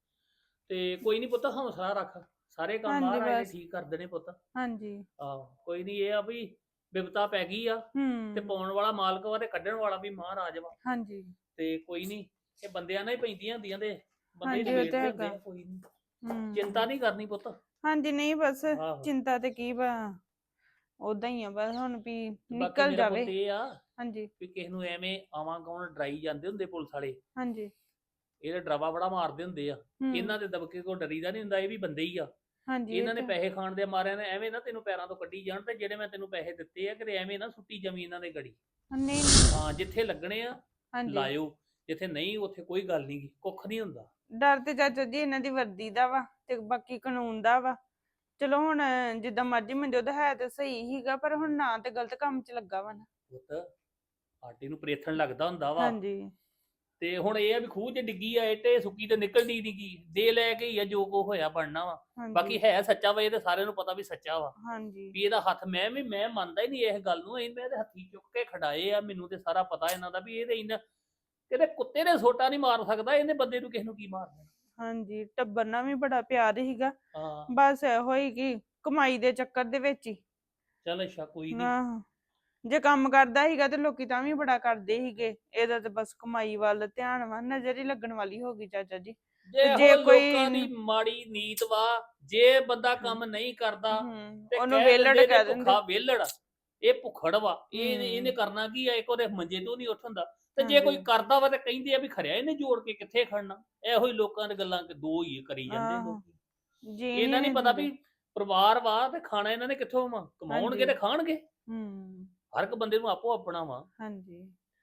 Speaker 1: ਤੇ ਕੋਈ ਨਹੀਂ ਪੁੱਤ, ਹੌਸਲਾ ਰੱਖ, ਸਾਰੇ ਕੰਮ
Speaker 6: ਹਾਂਜੀ
Speaker 1: ਮਹਾਰਾਜ ਨੇ
Speaker 6: ਬਸ।
Speaker 1: ਠੀਕ ਕਰ ਦੇਣੇ ਪੁੱਤ।
Speaker 6: ਹਾਂਜੀ
Speaker 1: ਆਹੋ ਕੋਈ ਨਹੀਂ, ਇਹ ਆ ਵੀ ਬਿਪਤਾ ਪੈ ਗਈ ਆ ਤੇ
Speaker 6: ਹੂੰ
Speaker 1: ਪਾਉਣ ਵਾਲਾ ਮਾਲਕ ਵਾ ਤੇ ਕੱਢਣ ਵਾਲਾ ਵੀ ਮਹਾਰਾਜ ਵਾ।
Speaker 6: ਹਾਂਜੀ
Speaker 1: ਤੇ ਕੋਈ ਨਹੀਂ, ਇਹ ਬੰਦਿਆਂ ਨਾਲ ਹੀ ਪੈਂਦੀਆਂ ਹੁੰਦੀਆਂ ਤੇ ਬੰਦੇ
Speaker 6: ਹਾਂਜੀ, ਉਹ
Speaker 1: ਨਿਬੇੜਦੇ
Speaker 6: ਤਾਂ
Speaker 1: ਹੁੰਦੇ ਆ,
Speaker 6: ਹੈਗਾ।
Speaker 1: ਕੋਈ ਨਹੀਂ
Speaker 6: ਹੂੰ
Speaker 1: ਚਿੰਤਾ ਨਹੀਂ ਕਰਨੀ ਪੁੱਤ।
Speaker 6: ਹਾਂਜੀ ਨਹੀਂ ਬਸ
Speaker 1: ਆਹੋ।
Speaker 6: ਚਿੰਤਾ ਤੇ ਕੀ ਵਾ, ਉਦਾਂ ਹੀ ਆ ਬਸ ਹੁਣ ਵੀ
Speaker 1: ਬਾਕੀ
Speaker 6: ਨਿਕਲ
Speaker 1: ਮੇਰਾ
Speaker 6: ਜਾਵੇ।
Speaker 1: ਪੁੱਤ ਇਹ ਆ
Speaker 6: ਹਾਂਜੀ
Speaker 1: ਵੀ ਕਿਸੇ ਨੂੰ ਐਵੇਂ ਆਵਾਂ ਗਾਉਣ ਡਰਾਈ ਜਾਂਦੇ ਹੁੰਦੇ ਪੁਲਿਸ ਵਾਲੇ,
Speaker 6: ਹਾਂਜੀ
Speaker 1: ਇਹਦੇ ਡਰਾਵਾ ਬੜਾ ਮਾਰਦੇ ਹੁੰਦੇ ਆ।
Speaker 6: ਹੂੰ
Speaker 1: ਇਹਨਾਂ ਦੇ ਦਬਕੇ ਕੋ ਡਰੀਦਾ ਨਹੀਂ ਹੁੰਦਾ, ਇਹ ਵੀ ਬੰਦੇ ਹੀ ਆ।
Speaker 6: ਹਾਂਜੀ ਇਹ
Speaker 1: ਇਹਨਾਂ ਨੇ
Speaker 6: ਤਾਂ-
Speaker 1: ਪੈਸੇ ਖਾਣ ਦੇ ਮਾਰਿਆਂ ਨੇ ਐਵੇਂ ਨਾ ਤੈਨੂੰ ਪੈਰਾਂ ਤੋਂ ਕੱਢੀ ਜਾਣ, ਤੇ ਜਿਹੜੇ ਮੈਂ ਤੈਨੂੰ ਪੈਸੇ ਦਿੱਤੇ ਆ ਕਿਤੇ ਐਵੇਂ ਨਾ ਸੁੱਟੀ ਜਮੀ ਇਹਨਾਂ ਦੇ ਗੜੀ।
Speaker 6: ਨਹੀਂ ਨਹੀਂ,
Speaker 1: ਹਾਂ ਜਿੱਥੇ ਲੱਗਣੇ ਆ
Speaker 6: ਹਾਂਜੀ
Speaker 1: ਲਾਇਓ, ਜਿੱਥੇ ਨਹੀਂ ਉੱਥੇ ਕੋਈ ਗੱਲ ਨਹੀਂ, ਕੁੱਖ ਨਹੀਂ ਹੁੰਦਾ।
Speaker 6: ਡਰ ਤੇ ਚਾਚਾ ਜੀ ਇਹਨਾਂ ਦੀ ਵਰਦੀ ਦਾ ਵਾ ਤੇ ਬਾਕੀ ਕਾਨੂੰਨ ਦਾ ਵਾ। ਚਲੋ ਹੁਣ ਜਿੱਦਾਂ ਮਰਜ਼ੀ ਮਨਜੋਤ ਹੈ ਤੇ ਸਹੀ ਹੀਗਾ, ਪਰ ਹੁਣ ਨਾ ਤੇ ਗਲਤ ਕੰਮ 'ਚ ਲੱਗਾ ਵਾ ਨਾ।
Speaker 1: ਪੁੱਤ ਆਟੇ ਨੂੰ ਪ੍ਰੇਥਣ ਲੱਗਦਾ ਹੁੰਦਾ ਵਾ।
Speaker 6: ਹਾਂਜੀ
Speaker 1: ਤੇ ਹੁਣ ਇਹ ਆ ਵੀ ਖੂਹ 'ਚ ਡਿੱਗੀ ਆ ਇੱਟੇ, ਸੁੱਕੀ ਤੇ ਨਿਕਲਦੀ ਨੀ ਗੀ, ਦੇ ਲੈ ਕੇ ਹੀ ਆ ਜੋ ਕੋ ਹੋਇਆ ਬਣਨਾ ਵਾ। ਬਾਕੀ
Speaker 6: ਹਾਂਜੀ
Speaker 1: ਹੈ ਸੱਚਾ ਵਾ, ਇਹ ਤੇ ਸਾਰਿਆਂ ਨੂੰ ਪਤਾ ਵੀ ਸੱਚਾ ਵਾ।
Speaker 6: ਹਾਂਜੀ
Speaker 1: ਵੀ ਇਹਦਾ ਹੱਥ ਮੈਂ ਮੰਨਦਾ ਹੀ ਨਹੀਂ ਇਸ ਗੱਲ ਨੂੰ, ਮੈਂ ਇਹਦੇ ਹੱਥੀ ਚੁੱਕ ਕੇ ਖੜਾਏ ਆ, ਮੈਨੂੰ ਤੇ ਸਾਰਾ ਪਤਾ ਇਹਨਾਂ ਦਾ ਵੀ ਇਹਦੇ ਇਹਨਾਂ ਕਿਤੇ ਕੁੱਤੇ ਨੇ ਸੋਟਾ ਨਹੀਂ ਮਾਰ ਸਕਦਾ, ਇਹਨੇ ਬੰਦੇ ਨੂੰ ਕਿਸੇ ਨੂੰ ਕੀ ਮਾਰਨਾ।
Speaker 6: ਹਾਂਜੀ ਟੱਬਰ ਨਾਲ ਵੀ ਬੜਾ ਪਿਆਰ ਹੀਗਾ,
Speaker 1: ਹਾਂ
Speaker 6: ਬਸ ਇਹੋ ਹੀ ਕਿ ਕਮਾਈ ਦੇ ਚੱਕਰ ਦੇ ਵਿੱਚ ਹੀ।
Speaker 1: ਚੱਲ ਅੱਛਾ ਕੋਈ ਨਹੀਂ।
Speaker 6: ਆਹੋ ਜੇ ਕੰਮ ਕਰਦਾ ਹੀਗਾ ਤੇ ਲੋਕੀ ਤਾਂ ਵੀ ਬੜਾ ਕਰਦੇ ਹੀਗੇ, ਇਹਦਾ ਤੇ ਬਸ ਕਮਾਈ ਵੱਲ ਧਿਆਨ ਵਾ, ਨਜ਼ਰ ਹੀ ਲੱਗਣ ਵਾਲੀ ਹੋ ਗਈ ਚਾਚਾ ਜੀ।
Speaker 1: ਜੇ
Speaker 6: ਜੇ ਕੋਈ-
Speaker 1: ਲੋਕਾਂ ਦੀ ਮਾੜੀ ਨੀਤ ਵਾ, ਜੇ ਬੰਦਾ ਕੰਮ ਨਹੀਂ ਕਰਦਾ ਤੇ
Speaker 6: ਉਹਨੂੰ
Speaker 1: ਕਹਿ
Speaker 6: ਵੇਲੜ
Speaker 1: ਦਿੰਦੇ
Speaker 6: ਕਹਿ
Speaker 1: ਨੇ
Speaker 6: ਦਿੰਦੇ।
Speaker 1: ਭੁੱਖਾ ਵੇਲੜ, ਇਹ ਭੁੱਖੜ ਵਾ,
Speaker 6: ਹੂੰ।
Speaker 1: ਇਹਨੇ ਕਰਨਾ ਕੀ ਆ, ਇੱਕ ਉਹਦੇ ਮੰਜੇ ਤੋਂ ਨਹੀਂ ਉੱਠ ਹੁੰਦਾ। ਤੇ ਜੇ
Speaker 6: ਹਾਂਜੀ।
Speaker 1: ਕੋਈ ਕਰਦਾ ਵਾ ਤੇ ਕਹਿੰਦੇ ਆ ਵੀ ਖਰਿਆ ਇਹਨੇ ਜੋੜ ਕੇ ਕਿੱਥੇ ਖੜਨਾ। ਇਹੋ ਹੀ ਲੋਕਾਂ ਦੇ ਗੱਲਾਂ ਦੋ ਹੀ ਕਰੀ ਜਾਂਦੇ
Speaker 6: ਆਹੋ।
Speaker 1: ਲੋਕੀ।
Speaker 6: ਜੀ
Speaker 1: ਇਹਨਾਂ ਨਹੀਂ ਪਤਾ ਵੀ ਪਰਿਵਾਰ ਵਾ ਤੇ ਖਾਣਾ ਇਹਨਾਂ ਨੇ ਕਿੱਥੋਂ ਵਾ, ਕਮਾਉਣਗੇ
Speaker 6: ਹਾਂਜੀ।
Speaker 1: ਤੇ ਖਾਣਗੇ।
Speaker 6: ਹੂੰ
Speaker 1: ਹਰ ਇੱਕ ਬੰਦੇ ਨੂੰ ਆਪੋ ਆਪਣਾ ਵਾ।
Speaker 6: ਹਾਂਜੀ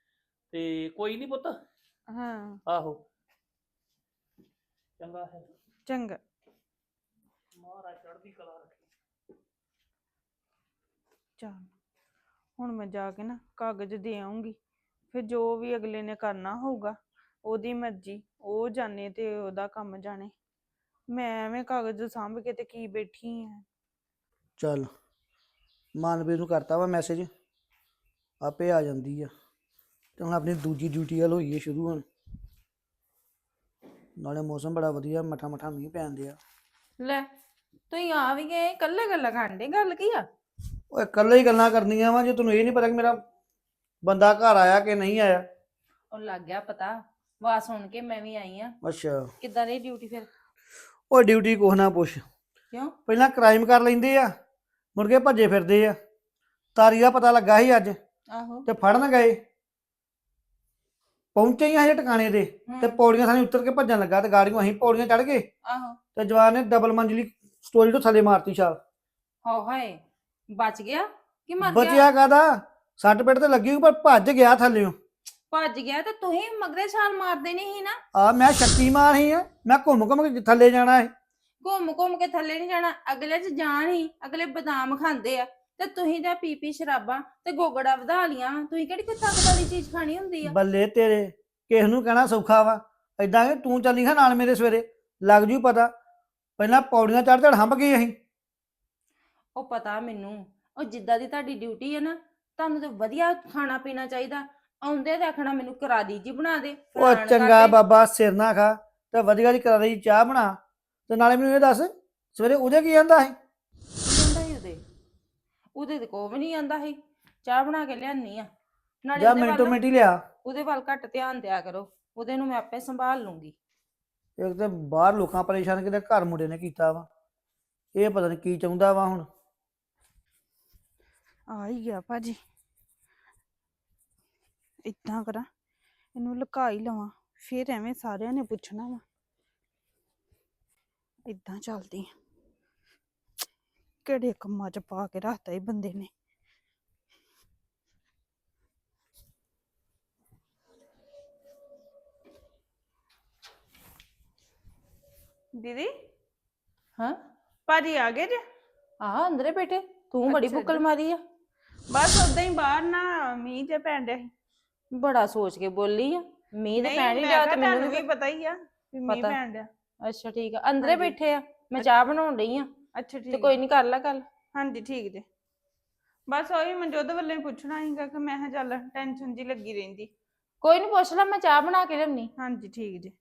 Speaker 1: ਤੇ ਕੋਈ ਨਹੀਂ ਪੁੱਤ,
Speaker 6: ਹਾਂ
Speaker 1: ਆਹੋ ਚੰਗਾ ਹੈ,
Speaker 6: ਚੰਗਾ।
Speaker 1: ਮਹਾਰਾਜ ਚੜ੍ਹਦੀ ਕਲਾ ਰੱਖੇ।
Speaker 6: ਚੱਲ ਹੁਣ ਮੈਂ ਜਾ ਕੇ ਨਾ ਕਾਗਜ਼ ਦੇ ਆਉਂਗੀ, ਫਿਰ ਜੋ ਵੀ ਅਗਲੇ ਨੇ ਕਰਨਾ ਹੋਊਗਾ ਉਹਦੀ ਮਰਜ਼ੀ, ਉਹ ਜਾਣੇ ਤੇ ਉਹਦਾ ਕੰਮ ਜਾਣੇ। ਮੈਂ ਐਵੇਂ ਕਾਗਜ਼ ਸਾਂਭ ਕੇ ਤੇ ਕੀ ਬੈਠੀ ਆ।
Speaker 7: ਚੱਲ ਮਾਨਵੀਰ ਨੂੰ ਕਰਤਾ ਵਾ ਮੈਸੇਜ, ਆਪੇ ਆ ਜਾਂਦੀ ਆ। ਤੇ ਹੁਣ ਆਪਣੀ ਦੂਜੀ ਡਿਊਟੀ ਵੱਲ ਹੋਈਏ ਸ਼ੁਰੂ। ਹੁਣ ਨਾਲੇ ਮੌਸਮ ਬੜਾ ਵਧੀਆ, ਮਠਾ ਮਠਾ ਮੀਂਹ ਪੈਣ ਡਿਆ।
Speaker 3: ਲੈ ਤੁਸੀਂ ਆ ਵੀ ਗਏ ਇਕੱਲੇ ਗੱਲਾਂ ਕਰਦੇ, ਗੱਲ ਕੀ ਆ?
Speaker 7: ਓਏ ਇਕੱਲੇ ਹੀ ਗੱਲਾਂ ਕਰਨੀਆਂ ਵਾ, ਜੇ ਤੈਨੂੰ ਇਹ ਨਹੀਂ ਪਤਾ ਕਿ ਮੇਰਾ ਬੰਦਾ ਘਰ ਆਇਆ ਕਿ ਨਹੀਂ ਆਇਆ।
Speaker 3: ਉਹ ਲੱਗ ਗਿਆ ਪਤਾ, ਆਵਾਜ਼ ਸੁਣ ਕੇ ਮੈਂ ਵੀ ਆਈ ਆ।
Speaker 7: ਅੱਛਾ
Speaker 3: ਕਿੱਦਾਂ ਰਹੀ ਡਿਊਟੀ ਫਿਰ?
Speaker 7: ਉਹ ਡਿਊਟੀ ਕੁਛ ਨਾ ਪੁੱਛ।
Speaker 3: ਕਿਉਂ?
Speaker 7: ਪਹਿਲਾਂ ਕ੍ਰਾਈਮ ਕਰ ਲੈਂਦੇ ਆ, ਮੁੜ ਕੇ ਭੱਜੇ ਫਿਰਦੇ ਆ। ਤਾਰੀ ਦਾ ਪਤਾ ਲੱਗਾ ਸੀ ਅੱਜ
Speaker 3: ਆਹੋ
Speaker 7: ਤੇ ਫੜਨ ਗਏ, ਪਹੁੰਚੇ ਹੀ ਹਜੇ ਟਿਕਾਣੇ ਤੇ ਤੇ ਪੌੜੀਆਂ ਥਾਣੀ ਉੱਤਰ ਕੇ ਭੱਜਣ ਲੱਗਾ ਤੇ ਗਾੜੀਆਂ ਅਸੀਂ ਪੌੜੀਆਂ ਚੜ ਗਏ
Speaker 3: ਆਹੋ
Speaker 7: ਤੇ ਜਵਾਨ ਨੇ ਡਬਲ ਮੰਜ਼ਲੀ ਸਟੋਰੀ ਤੋਂ ਥੱਲੇ ਮਾਰਤੀ ਛਾਲ।
Speaker 3: ਹਾਏ ਬਚ ਗਿਆ ਕਿ ਮਰ ਗਿਆ?
Speaker 7: ਬਚਿਆ ਕਾਦਾ, ਸੱਟ ਪੇਟ ਤੇ ਲੱਗੀ ਪਰ ਭੱਜ ਗਿਆ ਥੱਲਿਓ।
Speaker 3: ਭੱਜ ਗਿਆ ਤੇ ਤੁਸੀਂ ਮਗਰੇ ਛਾਲ ਮਾਰਦੇ ਨਹੀਂ ਸੀ ਨਾ?
Speaker 7: ਆ ਮੈਂ ਸ਼ਕਤੀਮਾਨ ਹੀ ਆ, ਮੈਂ ਘੁੰਮ ਘੁੰਮ ਕੇ ਥੱਲੇ ਜਾਣਾ ਹੈ।
Speaker 3: ਘੁੰਮ ਘੁੰਮ ਕੇ ਥੱਲੇ ਨਹੀਂ ਜਾਣਾ, ਅਗਲੇ 'ਚ ਜਾਣ ਹੀ, ਅਗਲੇ ਬਦਾਮ ਖਾਂਦੇ ਆ ਤੇ ਤੁਸੀਂ ਤਾਂ ਪੀ ਸ਼ਰਾਬਾਂ ਤੇ ਗੋਗੜਾ ਵਧਾ ਲੀਆਂ। ਤੁਸੀਂ ਕਿਹੜੀ ਕੋਈ ਤਾਕਤ ਵਾਲੀ ਚੀਜ਼ ਖਾਣੀ ਹੁੰਦੀ ਆ?
Speaker 7: ਬੱਲੇ ਤੇਰੇ, ਕਿਸ ਨੂੰ ਕਹਿਣਾ ਸੌਖਾ ਵਾ। ਏਦਾਂ ਕਿ ਤੂੰ ਚੱਲੀ ਹਾਂ ਨਾਲ ਮੇਰੇ ਸਵੇਰੇ, ਲੱਗ ਜੂ ਪਤਾ। ਪਹਿਲਾਂ ਪੌੜੀਆਂ ਚੜ ਹੰਭ ਗਏ ਅਸੀਂ,
Speaker 3: ਉਹ ਪਤਾ ਮੈਨੂੰ, ਉਹ ਜਿੱਦਾਂ ਦੀ ਤੁਹਾਡੀ ਡਿਊਟੀ ਹੈ ਨਾ, ਤੁਹਾਨੂੰ ਤੇ ਵਧੀਆ ਖਾਣਾ ਪੀਣਾ ਚਾਹੀਦਾ। ਆਉਂਦੇ ਤੇ ਆਖਣਾ ਮੈਨੂੰ ਕਰਾ ਦੀ ਜੀ ਬਣਾ ਦੇ,
Speaker 7: ਉਹ
Speaker 3: ਫਲਾਣ ਕਰ
Speaker 7: ਚੰਗਾ
Speaker 3: ਦੇ।
Speaker 7: ਬਾਬਾ ਸਿਰ ਨਾ ਖਾ ਤੇ ਵਧੀਆ ਦੀ ਕਰਾ ਲਈ ਚਾਹ ਬਣਾ। ਤੇ ਨਾਲੇ ਮੈਨੂੰ ਇਹ ਦੱਸ ਸਵੇਰੇ ਉਹਦੇ ਕੀ ਆਂਦਾ ਸੀ?
Speaker 3: ਕੀ ਕਹਿੰਦਾ ਸੀ ਉਹਦੇ ਤੇ ਕੋਈ ਵੀ ਨਹੀਂ ਆਂਦਾ ਸੀ। ਚਾਹ ਬਣਾ ਕੇ ਲਿਆਨੀ ਆ, ਨਾਲੇ
Speaker 7: ਜਾਂ
Speaker 3: ਉਹਦੇ
Speaker 7: ਮਿੰਟੋ
Speaker 3: ਵੱਲ
Speaker 7: ਮਿੰਟ ਹੀ ਲਿਆ।
Speaker 3: ਉਹਦੇ ਵੱਲ ਘੱਟ ਧਿਆਨ ਦਿਆ ਕਰੋ, ਉਹਦੇ ਨੂੰ ਮੈਂ ਆਪੇ ਸੰਭਾਲ ਲੂੰਗੀ।
Speaker 7: ਇੱਕ ਤੇ ਬਾਹਰ ਲੋਕਾਂ ਪਰੇਸ਼ਾਨ ਕਿਤੇ ਘਰ ਮੁੰਡੇ ਨੇ ਕੀਤਾ ਵਾ, ਇਹ ਪਤਾ ਨਹੀਂ ਕੀ ਚਾਹੁੰਦਾ ਵਾ ਹੁਣ।
Speaker 6: ਆ ਹੀ ਗਿਆ ਭਾਜੀ। ਇਦਾਂ ਕਰਾਂ, ਇਹਨੂੰ ਲੁਕਾ ਹੀ ਲਵਾਂ, ਫਿਰ ਐਵੇਂ ਸਾਰਿਆਂ ਨੇ ਪੁੱਛਣਾ ਵਾ। ਇਦਾਂ ਚੱਲਦੀ ਆ, ਕਿਹੜੇ ਕੰਮਾਂ 'ਚ ਪਾ ਕੇ ਰੱਖਤਾ ਇਹ ਬੰਦੇ ਨੇ। ਦੀਦੀ
Speaker 3: ਹਾਂ
Speaker 6: ਭਾਜੀ ਆ ਗਏ ਜੇ?
Speaker 3: ਆ ਅੰਦਰੇ ਬੈਠੇ, ਤੂੰ ਬੜੀ
Speaker 6: ਅੱਛਾ
Speaker 3: ਬੁੱਕਲ
Speaker 6: ਜੀ।
Speaker 3: ਮਾਰੀ ਆ।
Speaker 6: ਬਸ ਉਦਾਂ ਹੀ ਬਾਹਰ ਨਾ ਮੀਂਹ ਜਿਹਾ ਪੈਣ ਡਿਆ ਸੀ।
Speaker 3: ਬੜਾ ਸੋਚ ਕੇ ਬੋਲੀ ਆ, ਮੀਂਹ ਤੇ
Speaker 6: ਨਹੀਂ,
Speaker 3: ਪੈਣ ਹੀ
Speaker 6: ਮੈਂ
Speaker 3: ਡਿਆ
Speaker 6: ਕਿਹਾ
Speaker 3: ਤੇ ਮੈਨੂੰ
Speaker 6: ਤੁਹਾਨੂੰ
Speaker 3: ਵੀ
Speaker 6: ਵੀ ਪਤਾ ਹੀ ਆ ਵੀ ਮੀਂਹ
Speaker 3: ਪਤਾ।
Speaker 6: ਪੈਣ ਡਿਆ।
Speaker 3: ਅੱਛਾ ਠੀਕ ਆ, ਅੰਦਰੇ
Speaker 6: ਹਾਂਜੀ।
Speaker 3: ਬੈਠੇ ਆ, ਮੈਂ ਚਾਹ ਬਣਾਉਣ ਡਈ ਆ।
Speaker 6: ਅੱਛਾ
Speaker 3: ਤੇ
Speaker 6: ਠੀਕ
Speaker 3: ਕੋਈ
Speaker 6: ਹੈ।
Speaker 3: ਨਹੀਂ ਕਰ ਲੈ ਗੱਲ।
Speaker 6: ਹਾਂਜੀ ਠੀਕ ਜੇ। ਬਸ ਉਹੀ ਮਨਜੋਤ ਵੱਲੋਂ ਹੀ ਪੁੱਛਣਾ ਸੀਗਾ ਕਿ ਮੈਂ ਕਿਹਾ ਚੱਲ ਟੈਨਸ਼ਨ ਜੀ ਲੱਗੀ ਰਹਿੰਦੀ।
Speaker 3: ਕੋਈ ਨਹੀਂ ਪੁੱਛ ਲੈ, ਮੈਂ ਚਾਹ ਬਣਾ ਕੇ ਲਿਆਉਣੀ।
Speaker 6: ਹਾਂਜੀ ਠੀਕ ਜੇ।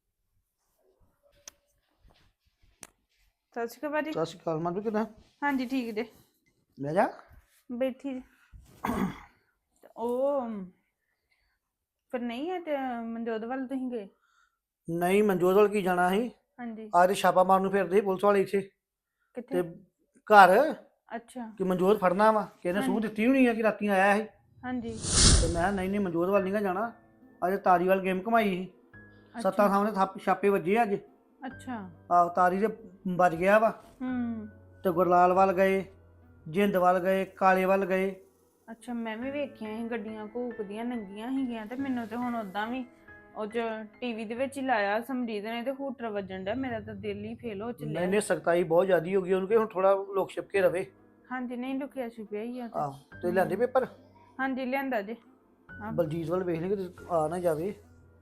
Speaker 6: ਸਤਿ ਸ਼੍ਰੀ ਅਕਾਲ ਭਾਜੀ।
Speaker 7: ਸਤਿ ਸ਼੍ਰੀ ਅਕਾਲ ਮਨ ਕਿਦਾਂ?
Speaker 6: ਹਾਂਜੀ ਠੀਕ ਜੇ।
Speaker 7: ਲੈ ਜਾ।
Speaker 6: ਬੈਠੀ ਜੇ। ਤੇ ਉਹ ਫਿਰ ਨਹੀਂ ਹੈ ਤੇ ਮਨਜੋਤ ਵੱਲ ਤੁਸੀਂ ਗਏ?
Speaker 7: ਨਹੀਂ ਮਨਜੋਤ ਵੱਲ ਕੀ ਜਾਣਾ ਸੀ?
Speaker 6: ਹਾਂਜੀ।
Speaker 7: ਅੱਜ ਛਾਪਾ ਮਾਰਨ ਨੂੰ ਫਿਰਦੇ ਸੀ ਪੁਲਿਸ ਵਾਲੇ ਇੱਥੇ
Speaker 6: ਕਿੱਥੇ?
Speaker 7: ਤੇ ਘਰ
Speaker 6: ਅੱਛਾ।
Speaker 7: ਕਿ ਮਨਜੋਤ ਫੜਨਾ ਵਾ, ਕਿਸੇ ਨੇ ਸੂਹ
Speaker 6: ਹਾਂਜੀ।
Speaker 7: ਦਿੱਤੀ ਹੋਣੀ ਆ ਕਿ ਰਾਤੀ ਆਇਆ ਸੀ।
Speaker 6: ਹਾਂਜੀ।
Speaker 7: ਤੇ ਮੈਂ ਕਿਹਾ ਨਹੀਂ ਨਹੀਂ ਮਨਜੋਤ ਵੱਲ ਨਹੀਂ ਗਾ ਜਾਣਾ, ਅੱਜ ਤਾਰੀ ਵੱਲ ਗੇਮ ਘਮਾਈ ਸੀ। ਸੱਤਾਂ ਸਾਹਮਣੇ ਛਾਪੇ ਵੱਜੇ ਅੱਜ।
Speaker 6: ਅੱਛਾ।
Speaker 7: ਆਹ ਤਾਰੀ ਦੇ ਵੱਜ ਗਿਆ ਵਾ।
Speaker 6: ਹੂੰ।
Speaker 7: ਤੇ ਗੁਰਲਾਲ ਵੱਲ ਗਏ, ਜਿੰਦ ਵੱਲ ਗਏ, ਕਾਲੇ ਵੱਲ ਗਏ।
Speaker 6: ਅੱਛਾ, ਮੈਂ ਵੀ ਵੇਖੀਆਂ ਸੀ ਗੱਡੀਆਂ ਘੂਕਦੀਆਂ ਨੰਗੀਆਂ ਸੀਗੀਆਂ ਤੇ ਮੈਨੂੰ ਤੇ ਹੁਣ ਉਦਾਂ ਵੀ ਉਹ ਚ ਟੀਵੀ ਦੇ ਵਿੱਚ ਹੀ ਲਾਇਆ ਸਮਰੀਤ ਨੇ ਤੇ ਹੂਟਰ ਵੱਜਣ ਡਿਆ, ਮੇਰਾ ਤਾਂ ਦਿਲ ਹੀ ਫੇਲ ਹੋ ਚੱਲਿਆ।
Speaker 7: ਨਹੀਂ ਨਹੀਂ ਸਖਤਾਈ ਬਹੁਤ ਜ਼ਿਆਦੀ ਹੋ ਗਈ ਉਹਨੂੰ, ਕਿ ਹੁਣ ਥੋੜਾ ਲੋਕ ਛਿਪ ਕੇ ਰਵੇ।
Speaker 6: ਹਾਂਜੀ, ਨਹੀਂ ਲੁਕਿਆ ਛੁਪਿਆ ਹੀ ਆ ਤੇ।
Speaker 7: ਆਹ ਤੇ ਲਿਆਂਦੇ ਪੇਪਰ?
Speaker 6: ਹਾਂਜੀ ਲਿਆਂਦਾ ਜੇ। ਆਹ
Speaker 7: ਬਲਜੀਤ ਵੱਲ ਵੇਖ ਲਈ ਕਿ ਆ ਨਾ ਜਾਵੇ।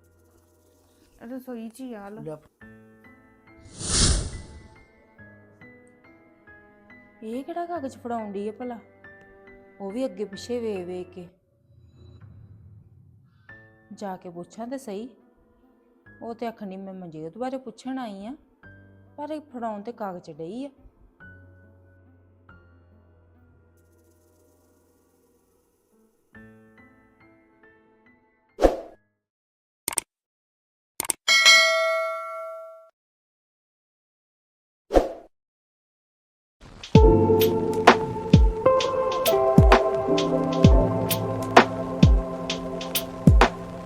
Speaker 6: ਰਸੋਈ ਚ ਹੀ ਆ ਲੋ।
Speaker 7: ਲਿਆ।
Speaker 3: ਇਹ ਕਿਹੜਾ ਕਾਗਜ਼ ਫੜਾਉਣ ਡਈ ਆ ਭਲਾ? ਉਹ ਵੀ ਅੱਗੇ ਪਿੱਛੇ ਵੇਖ ਵੇਖ ਕੇ। ਜਾ ਕੇ ਪੁੱਛਾਂ ਤੇ ਸਹੀ। ਉਹ ਤੇ ਆਖਣੀ ਮੈਂ ਮਨਜੋਤ ਬਾਰੇ ਪੁੱਛਣ ਆਈ ਆ, ਪਰ ਇਹ ਫੜਾਉਣ ਤੇ ਕਾਗਜ਼ ਡਈ ਆ।